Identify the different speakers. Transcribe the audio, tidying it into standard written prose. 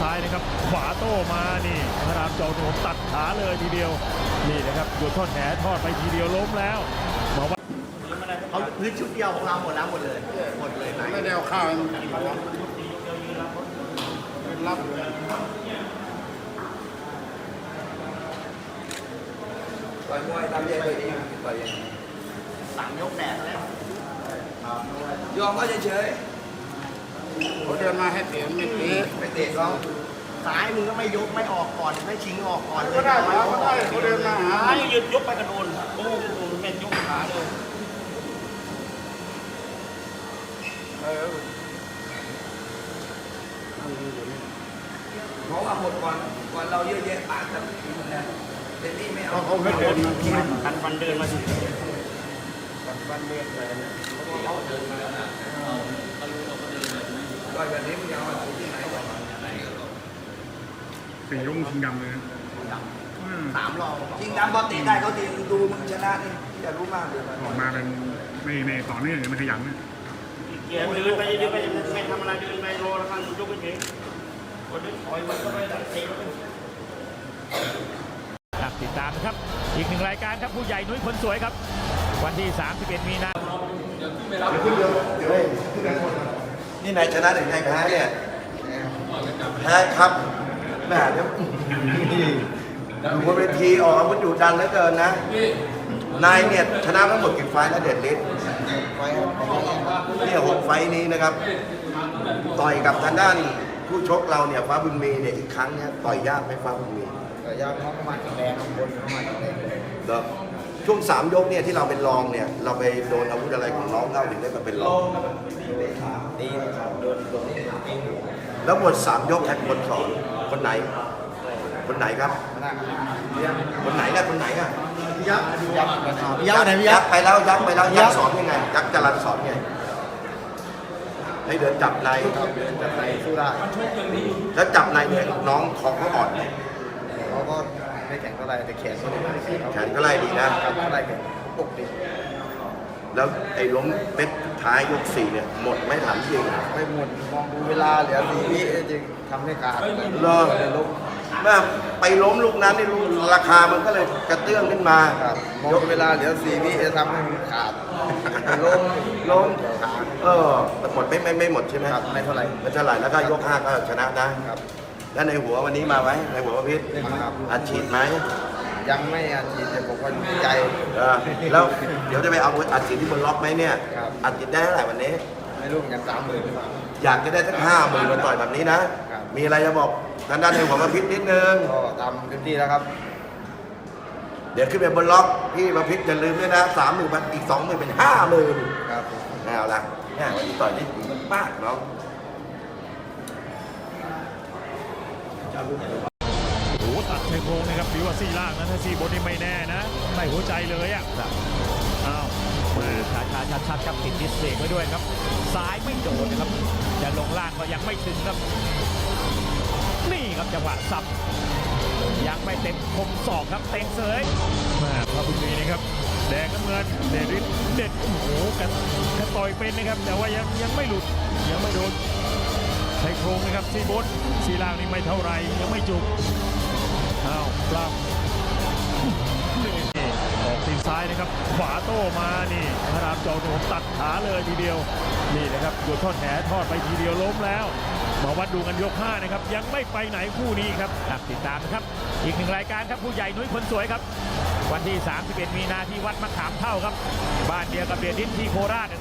Speaker 1: ซ้ายนะครับขวาโต้มานี่พระรามจอมผมตัดขาเลยทีเดียวนี่นะครับโยนทอดแหทอดไปทีเดียวล้มแล้วมาว่า
Speaker 2: เขาพื้นชุดเดียวของเราหมดแล้วหมดเลยไหน
Speaker 3: ไม่ได้เอาข้าวให้มันกินแล้วรับ
Speaker 4: ต่อยมวยตามใจตัวเองต่อย
Speaker 2: 3 ยกแดดแล้ว
Speaker 4: ยอมก็เฉย
Speaker 3: เขาเดินมาให้เตะไม่เตะ
Speaker 4: ไม่เตะเขา
Speaker 2: ซ้ายมึงก็ไม่ยกไม่ออกก่อนไม่ชิงออกก่อน
Speaker 3: ก็ได้แล้วก็ได้เขาเดินมาหา
Speaker 2: ให้ยืดยกไปกระโดนโอ้โหแม่ยกขาเลย
Speaker 4: เพราะว่าหมดก่อนเราเยอะแยะปากกันเต็มที่ไม่เอา
Speaker 3: เขาไม่เดินมา
Speaker 2: กันฟันเดินมาสิ
Speaker 3: ฟันเดินเลย
Speaker 4: เขาเดินมาต่อยแบบนี้มึงจะเอาที่ไหนก่อน
Speaker 3: สีรุ่งชิงดำเลยนะ
Speaker 2: 3 รอบ
Speaker 4: จริงดำพอตีได้เขาตีดูมึงชนะนี่อย่ารู้มากเลย
Speaker 3: ออกมาเป็นไม่ต่อเนื่องมันขยันนะ
Speaker 2: เกียร์เดินไปไม่ทำอะไรเดินไปโรแล้วข้างยกไปเฉยคนนี้ถอยมันก็ไม่ได้เตะ
Speaker 1: ติดตามนะครับอีก1 รายการครับผู้ใหญ่นุ้ยคนสวยครับวันที่31 มีนาคม
Speaker 4: นี่นายชนะหรือนายแพ้เนี่ยแพ้ครับแม่เดี๋ยวอยู่บนเวทีออกอาวุธดุดันเหลือเกินนะนายเนี่ยชนะทั้งหมดกี่ไฟแล้วเด็ดฤทธิ์เนี่ย6 ไฟนี้นะครับต่อยกับทางด้านผู้ชกเราเนี่ยฟ้าบุญมีเนี่ยอีกครั้งเนี่ยต่อยยากไหมฟ้าบุญมี
Speaker 2: ต่อยยากเขาประมาณแรงคนประมาณแรง
Speaker 4: แล้วช่วง3 ยกเนี่ยที่เราเป็นรองเนี่ยเราไปโดนอาวุธอะไรของน้องเราถึงได้มาเป็นรอง
Speaker 2: ตีครับโดนตี
Speaker 4: แล้วหมด3 ยกใครเป็นคนสอนคนไหนครับคนไหนนะคนไหนอ่ะ
Speaker 2: ยักษ์ไหน
Speaker 4: ยักษ์ไปแล้วยักษ์สอนยังไงยักษ์จรัญสอนไงให้เดินจับใน
Speaker 2: สู้ได้
Speaker 4: แล้วจับในเนี่ยน้องคอเขาอ่อน
Speaker 2: เขาก็ไม่แข็งเท่าไรแต่แขน
Speaker 4: ก็ไล่ดีนะ
Speaker 2: ไล่แข็งปกติ
Speaker 4: แล้วไอ้ล้มเป็ดท้ายยก4เนี่ยหมดไม่ถามจริง
Speaker 2: ไม่หมดมองดูเวลาเหลือ4 วิจริงทำให้ขาด
Speaker 4: ล้มเมื่อไปล้มลูกนั้นนี่ราคามันก็เลยกระเตื้องขึ้นมาย
Speaker 2: กเวลาเหลือ4 วิจะทำให้มันขาด
Speaker 4: ล้มแต่หมดไม่หมดใช่ไหม
Speaker 2: ครับไม่เท่าไหร่
Speaker 4: แล้วก็ยก5ก็ชนะนะครับแล้วในหัววันนี้มาไหมในหัวพิษอัดฉีดไหม
Speaker 2: ยังไม่อัดฉีดแต่ผมว่าอยู่ที่ใจ
Speaker 4: แล้วเดี๋ยวจะไปเอาอัดฉีดที่บนล็อกไหมเนี่ยอัดฉีดได้เท่าไหร่วันนี้
Speaker 2: ไม่รู้อย่าง30,000
Speaker 4: อยากจะได้สัก50,000มาต่อยแบบนี้นะมีอะไรจะบอกทางด้านในหัวพิษนิดนึง
Speaker 2: ก็ทำเต็มที่แล้วครับ
Speaker 4: เดี๋ยวขึ้นไปบนล็อกพี่มาพิษอย่าลืมด้วยนะ30,000อีก20,000เป็น50,000
Speaker 2: ครับ
Speaker 4: เอาละเนี่ยวันนี้ต่อยได้ถึงมากเนาะ
Speaker 1: โอ้ตัดชายโครงนะครับหรือว่าซี่ล่างนะถ้าซี่บนนี่ไม่แน่นะใส่หัวใจเลยอ่ะอ้าวชัดครับติดดิสเบรกไว้ด้วยครับซ้ายไม่โดนนะครับจะลงล่างก็ยังไม่ถึงครับนี่ครับจังหวะสับยังไม่เต็มคมศอกครับเต็งเสยมาพระบุญมีนะครับแดงน้ำเงินเด็ดโอ้โหกันต่อยเป็นนะครับแต่ว่ายังไม่หลุดยังไม่โดนชายโครงนะครับซี่บนซี่ล่างนี่ไม่เท่าไรยังไม่จุกอ้าวปล้ำออกตีนซ้ายนะครับขวาโต้มานี่พระรามจอมผมตัดขาเลยทีเดียวนี่นะครับโยนทอดแหทอดไปทีเดียวล้มแล้วมาวัดดูกันยก5นะครับยังไม่ไปไหนคู่นี้ครับติดตามนะครับอีก1 รายการครับผู้ใหญ่นุ้ยคนสวยครับวันที่31 มีนาที่วัดมะขามเท่าครับบ้านเดียวกับเดชฤทธิ์ที่โคราช